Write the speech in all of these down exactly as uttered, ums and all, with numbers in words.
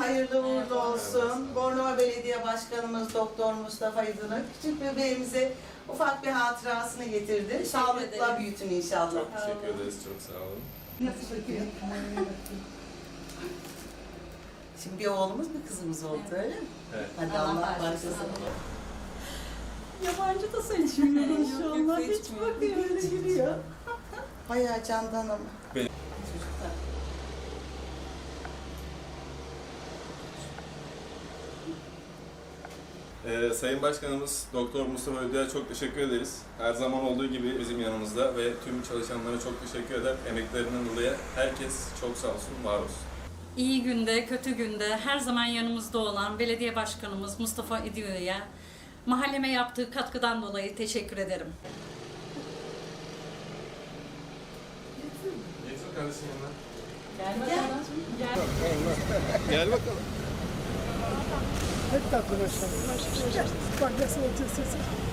hayırlı uğurlu olsun. Bornova Belediye Başkanımız Doktor Mustafa İdın'ın küçük bebeğimize ufak bir hatırasını getirdi. Sağlıkla büyütün inşallah. Çok teşekkür ederiz, çok sağ olun. Nasıl bakıyor? Şimdi bir oğlumuz bir kızımız oldu öyle mi? Evet. Hadi Allah Allah bağışlasın. başlasın. Yabancı da seçmiyor İnşallah hiç seçmiyor. bakıyor öyle gülüyor. Bayağı candan ama. Benim- Çocuklar. Ee, Sayın Başkanımız Doktor Mustafa Ödü'ye çok teşekkür ederiz. Her zaman olduğu gibi bizim yanımızda ve tüm çalışanlara çok teşekkür eder. Emeklerinden dolayı herkes çok sağ olsun, var olsun. İyi günde, kötü günde her zaman yanımızda olan belediye başkanımız Mustafa İdio'ya mahalleme yaptığı katkıdan dolayı teşekkür ederim. Getir kardeşim yanına. Gel bakalım. Gel. Gel bakalım. Hep tatlı başlar. Bak nasıl oturuyorsun.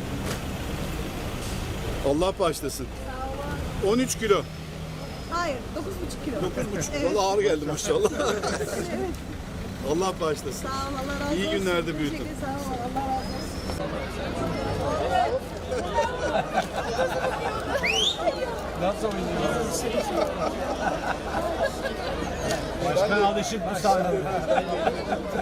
Allah bağışlasın. on üç kilo. Hayır, dokuz buçuk kilo. dokuz buçuk. Valla ağır geldi maşallah. Allah bağışlasın. Sağ ol, Allah razı olsun. İyi günlerde büyütün. Teşekkür, sağ ol, Allah razı olsun. Nasıl oynuyor? Başkan alışık bu sahneye.